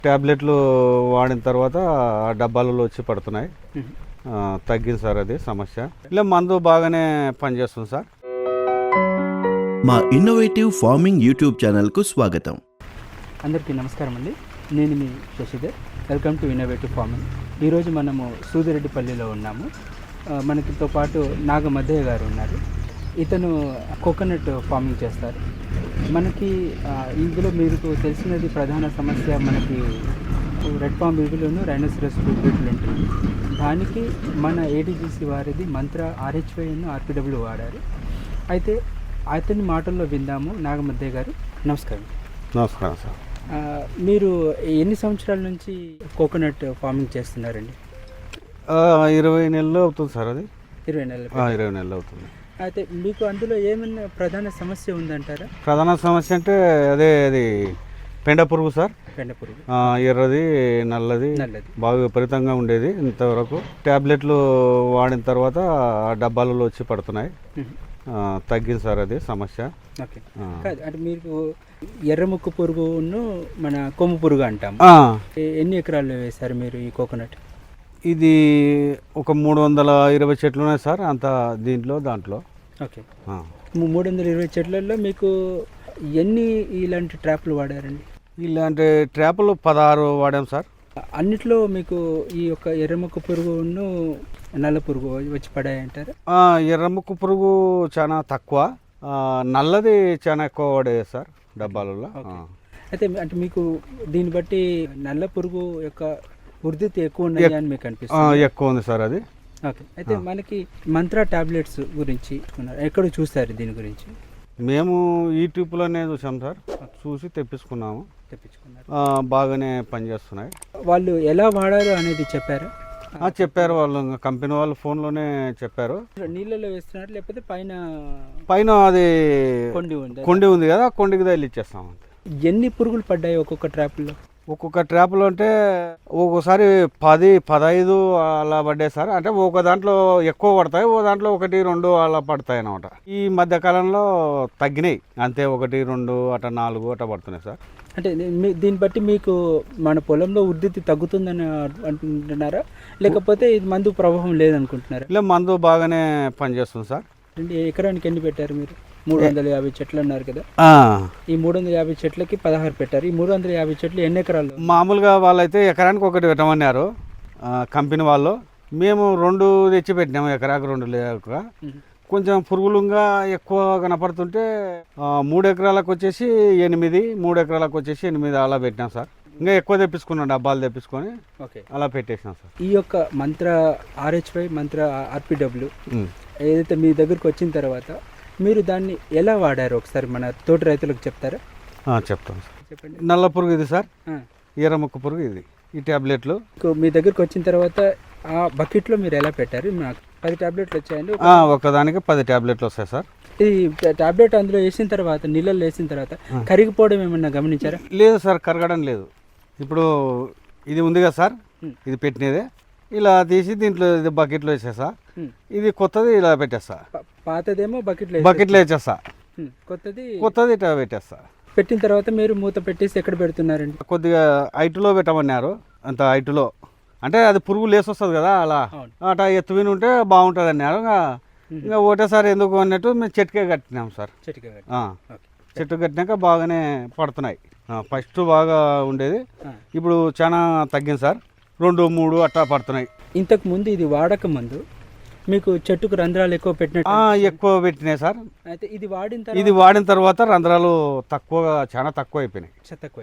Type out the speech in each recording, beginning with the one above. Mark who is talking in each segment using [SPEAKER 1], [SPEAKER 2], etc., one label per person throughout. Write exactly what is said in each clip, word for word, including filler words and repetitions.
[SPEAKER 1] ట్యాబ్లెట్లు వాడిన తర్వాత ఆ డబ్బాలలో వచ్చి పడుతున్నాయి. తగ్గింది సార్ అది సమస్య. ఇలా మందు బాగానే పనిచేస్తుంది సార్.
[SPEAKER 2] మా ఇన్నోవేటివ్ ఫార్మింగ్ యూట్యూబ్ ఛానల్కు స్వాగతం.
[SPEAKER 3] అందరికీ నమస్కారం అండి. నేను మీ Shashidhar. Welcome to innovative farming. ఈరోజు మనము సూదిరెడ్డిపల్లిలో ఉన్నాము. మనకితో పాటు నాగమద్దయ్య గారు ఉన్నారు. ఇతను కోకోనట్ ఫార్మింగ్ చేస్తారు. మనకి ఇందులో మీకు తెలిసినది ప్రధాన సమస్య మనకి రెడ్ పామ్ బీబీలోను రైనోసిరస్ బీబీలు ఉంటుంది. దానికి మన ఏడీజీసీ వారిది మంత్ర ఆర్హెచ్వైను ఆర్పీడబ్ల్యూ వాడారు. అయితే అతని మాటల్లో విందాము. నాగమద్దయ్య గారు నమస్కారం.
[SPEAKER 1] నమస్కారం సార్.
[SPEAKER 3] మీరు ఎన్ని సంవత్సరాల నుంచి కోకోనట్ ఫార్మింగ్ చేస్తున్నారండి?
[SPEAKER 1] ఇరవై నెలలు అవుతుంది సార్. అది
[SPEAKER 3] ఇరవై నెలలు
[SPEAKER 1] ఇరవై నెలలు అవుతుంది.
[SPEAKER 3] అయితే మీకు అందులో ఏమైనా ప్రధాన సమస్య ఉందంటారా?
[SPEAKER 1] ప్రధాన సమస్య అంటే అదే అది పెండ పురుగు సార్.
[SPEAKER 3] పెండ పురుగు
[SPEAKER 1] ఎర్రది నల్లది
[SPEAKER 3] నల్లది
[SPEAKER 1] బాగా విపరీతంగా ఉండేది. ఇంతవరకు ట్యాబ్లెట్లు వాడిన తర్వాత ఆ డబ్బాలలో వచ్చి పడుతున్నాయి. తగ్గింది సార్ అది సమస్య.
[SPEAKER 3] ఓకే. అంటే మీకు ఎర్రముక్కు పురుగును మన కొమ్ము పురుగు అంటాం. ఎన్ని ఎకరాలు వేశారు మీరు ఈ కోకోనట్?
[SPEAKER 1] ఇది ఒక మూడు వందల ఇరవై చెట్లు ఉన్నాయి సార్. అంత దీంట్లో దాంట్లో.
[SPEAKER 3] ఓకే. మూడు వందల ఇరవై చెట్లలో మీకు ఎన్ని ఇలాంటి ట్రాప్లు వాడారండి?
[SPEAKER 1] ఇలాంటి ట్రాప్లు పదహారు వాడాం సార్.
[SPEAKER 3] అన్నిట్లో మీకు ఈ యొక్క ఎర్రముక్కు పురుగును నల్ల పురుగు వచ్చి పడాయంటారు?
[SPEAKER 1] ఎర్రముక్కు పురుగు చాలా తక్కువ, నల్లది చాలా ఎక్కువ పడేది సార్ డబ్బాలలో.
[SPEAKER 3] అయితే అంటే మీకు దీన్ని బట్టి నల్ల పురుగు యొక్క వృద్ధి ఎక్కువ ఉన్నాయి అని మీకు అనిపిస్తుంది?
[SPEAKER 1] ఎక్కువ ఉంది సార్ అది.
[SPEAKER 3] ఓకే. అయితే మనకి మంత్ర టాబ్లెట్స్ గురించి ఎక్కడ చూస్తారు దీని గురించి?
[SPEAKER 1] మేము యూట్యూబ్లోనే చూసాం సార్. చూసి తెప్పించుకున్నాము.
[SPEAKER 3] తెప్పించుకున్నారు.
[SPEAKER 1] బాగానే పనిచేస్తున్నాయి.
[SPEAKER 3] వాళ్ళు ఎలా వాడారు అనేది చెప్పారా?
[SPEAKER 1] చెప్పారు వాళ్ళు, కంపెనీ వాళ్ళు ఫోన్లోనే చెప్పారు.
[SPEAKER 3] నీళ్ళలో వేస్తున్నారు లేకపోతే పైన
[SPEAKER 1] పైన అది
[SPEAKER 3] కొండి ఉంది
[SPEAKER 1] కొండి ఉంది కదా, కొండికి తగిలి ఇచ్చేస్తాం.
[SPEAKER 3] ఎన్ని పురుగులు పడ్డాయి ఒక్కొక్క ట్రాప్లో?
[SPEAKER 1] ఒక్కొక్క ట్రాప్లో అంటే ఒక్కోసారి పది పదహైదు అలా పడ్డాయి సార్. అంటే ఒక దాంట్లో ఎక్కువ పడతాయి, ఓ దాంట్లో ఒకటి రెండు అలా పడతాయి అన్నమాట. ఈ మధ్య కాలంలో తగ్గినాయి అంతే, ఒకటి రెండు అట నాలుగు అట పడుతున్నాయి సార్.
[SPEAKER 3] అంటే దీన్ని బట్టి మీకు మన పొలంలో వృద్ధి తగ్గుతుందని అంటున్నారా, లేకపోతే ఇది మందు ప్రభావం లేదనుకుంటున్నారా?
[SPEAKER 1] ఇలా మందు బాగానే పనిచేస్తుంది సార్.
[SPEAKER 3] ఎకరానికి ఎన్ని పెట్టారు మీరు? మూడు వందల యాభై చెట్లు అన్నారు కదా. ఈ మూడు వందల యాభై చెట్లకి పదహారు పెట్టారు. ఈ మూడు వందల యాభై చెట్లు ఎన్ని ఎకరాలు?
[SPEAKER 1] మామూలుగా వాళ్ళైతే ఎకరానికి ఒకటి పెట్టమన్నారు కంపెనీ వాళ్ళు. మేము రెండు తెచ్చి పెట్టినాము, ఎకరాకు రెండు లేక. కొంచెం పురుగులుగా ఎక్కువ కనపడుతుంటే మూడు ఎకరాలకు వచ్చేసి ఎనిమిది మూడు ఎకరాలకు వచ్చేసి ఎనిమిది అలా పెట్టినాం సార్. ఇంకా ఎక్కువ తెప్పించుకున్నాం, డబ్బాలు తెప్పించుకొని అలా పెట్టేసినాం సార్.
[SPEAKER 3] ఈ యొక్క మంత్ర ఆర్హెచ్వై మంత్ర ఆర్పీడబ్ల్యూ ఏదైతే మీ దగ్గరకు వచ్చిన తర్వాత మీరు దాన్ని ఎలా వాడారు ఒకసారి మన తోటి రైతులకు చెప్తారా?
[SPEAKER 1] చెప్తాం సార్. చెప్పండి. నల్ల పురుగు ఇది సార్, ఎర్రముక్కు పురుగు ఇది. ఈ ట్యాబ్లెట్లు
[SPEAKER 3] మీ దగ్గరకు వచ్చిన తర్వాత ఆ బకెట్లో మీరు ఎలా పెట్టారు? మాకు పది ట్యాబ్లెట్లు వచ్చాయండి.
[SPEAKER 1] ఒకదానికి పది ట్యాబ్లెట్లు వస్తాయి సార్.
[SPEAKER 3] ఈ ట్యాబ్లెట్ అందులో వేసిన తర్వాత నీళ్ళల్లో వేసిన తర్వాత కరిగిపోవడం ఏమన్నా గమనించారా?
[SPEAKER 1] లేదు సార్, కరగడం లేదు. ఇప్పుడు ఇది ఉంది కదా సార్, ఇది పెట్టినదే ఇలా తీసి దీంట్లో ఇది బకెట్లో వేసేసా. ఇది కొత్తది ఇలా పెట్టేస్తా.
[SPEAKER 3] పాతదేమో బకెట్లో
[SPEAKER 1] బకెట్లో వేసేస్తా,
[SPEAKER 3] కొత్తది కొత్తది
[SPEAKER 1] ఇట్లా పెట్టేస్తా.
[SPEAKER 3] పెట్టిన తర్వాత మీరు మూత పెట్టేసి ఎక్కడ పెడుతున్నారండి?
[SPEAKER 1] కొద్దిగా హైట్లో పెట్టమన్నారు. అంత హైట్లో అంటే అది పురుగు లేసి వస్తుంది కదా, అలా అట్లా ఎత్తువిని ఉంటే బాగుంటుంది అన్నారు. ఇంకా ఒకటేసారి ఎందుకు అన్నట్టు మేము చెట్టుకే కట్టినాం సార్. చెట్టు కట్టినాక బాగానే పడుతున్నాయి. ఫస్ట్ బాగా ఉండేది, ఇప్పుడు చాలా తగ్గింది సార్. రెండు మూడు అట్లా పడుతున్నాయి.
[SPEAKER 3] ఇంతకు ముందు ఇది వాడక ముందు మీకు చెట్టుకు రంధ్రాలు ఎక్కువ పెట్టినట్టు?
[SPEAKER 1] ఎక్కువ పెట్టినాయి సార్.
[SPEAKER 3] అయితే ఇది వాడిన
[SPEAKER 1] ఇది వాడిన తర్వాత రంధ్రాలు తక్కువగా చాలా తక్కువ అయిపోయినాయి.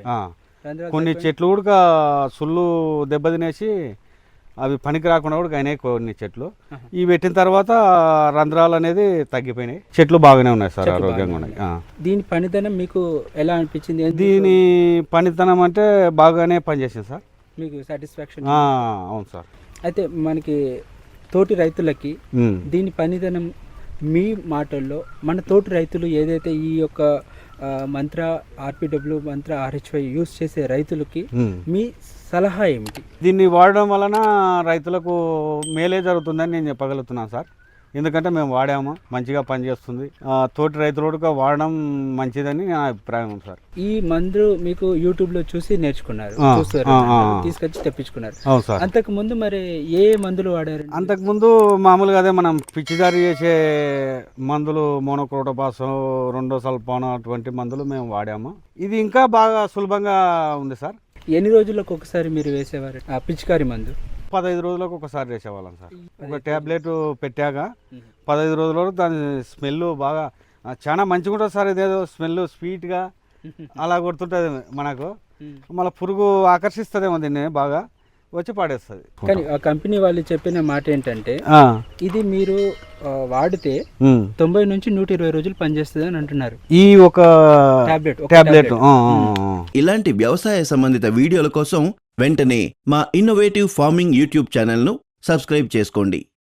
[SPEAKER 1] కొన్ని చెట్లు కూడా సుళ్ళు దెబ్బతినేసి అవి పనికి రాకుండా కూడా అయినాయి కొన్ని చెట్లు. ఇవి పెట్టిన తర్వాత రంధ్రాలు అనేది తగ్గిపోయినాయి. చెట్లు బాగానే ఉన్నాయి సార్, ఆరోగ్యంగా ఉన్నాయి.
[SPEAKER 3] దీని పనితనం మీకు ఎలా అనిపించింది?
[SPEAKER 1] దీని పనితనం అంటే బాగానే పనిచేసింది సార్.
[SPEAKER 3] మీకు సాటిస్ఫాక్షన్?
[SPEAKER 1] అవును సార్.
[SPEAKER 3] అయితే మనకి తోటి రైతులకి దీని పనితనం మీ మాటల్లో మన తోటి రైతులు ఏదైతే ఈ యొక్క మంత్ర ఆర్పీడబ్ల్యూ మంత్ర ఆర్హెచ్వై యూస్ చేసే రైతులకి మీ సలహా ఏమిటి?
[SPEAKER 1] దీన్ని వాడడం వలన రైతులకు మేలే జరుగుతుందని నేను చెప్పగలుగుతున్నాను సార్. ఎందుకంటే మేము వాడాము, మంచిగా పనిచేస్తుంది. ఆ, తోటి రైతులు కూడా వాడడం మంచిదని నా అభిప్రాయం సార్.
[SPEAKER 3] ఈ మందు మీకు యూట్యూబ్ లో చూసి నేర్చుకున్నారు,
[SPEAKER 1] ఆ,
[SPEAKER 3] చూస్తారు,
[SPEAKER 1] ఆ, ఆ.
[SPEAKER 3] తీసుకొచ్చి తెప్పించుకున్నారు.
[SPEAKER 1] అవును సార్.
[SPEAKER 3] అంతకు ముందు మరి ఏ మందులు వాడారు?
[SPEAKER 1] అంతకుముందు మామూలుగా అదే మనం పిచ్చిదారి చేసే మందులు, మోనోక్రోటోపాస్, రెండో సల్ఫాన్ అటువంటి మందులు మేము వాడాము. ఇది ఇంకా బాగా సులభంగా ఉంది సార్.
[SPEAKER 3] ఎన్ని రోజులకు ఒకసారి మీరు వేసేవారు ఆ పిచికారి మందు?
[SPEAKER 1] పదహైదు రోజులకు ఒకసారి వేసేవాళ్ళం సార్. ఒక ట్యాబ్లెట్ పెట్టాక పదహైదు రోజులలో దాని స్మెల్ బాగా ఆ, చాలా మంచిగా ఉంటుంది సార్. ఇదేదో స్మెల్ స్వీట్గా అలా కొడుతుంటుంది మనకు. మళ్ళీ పురుగు ఆకర్షిస్తుందేమో దీన్ని బాగా, వచ్చి పాడేస్తుంది.
[SPEAKER 3] కానీ ఆ కంపెనీ వాళ్ళు చెప్పిన మాట ఏంటంటే ఇది మీరు ఆ, వాడితే తొంభై నుంచి నూట ఇరవై రోజులు పనిచేస్తుంది అని అంటున్నారు.
[SPEAKER 1] ఈ ఒక
[SPEAKER 3] టాబ్లెట్
[SPEAKER 1] టాబ్లెట్
[SPEAKER 2] ఇలాంటి వ్యవసాయ సంబంధిత వీడియోల కోసం వెంటనే మా ఇన్నోవేటివ్ ఫార్మింగ్ యూట్యూబ్ ఛానల్ను సబ్స్క్రైబ్ చేసుకోండి.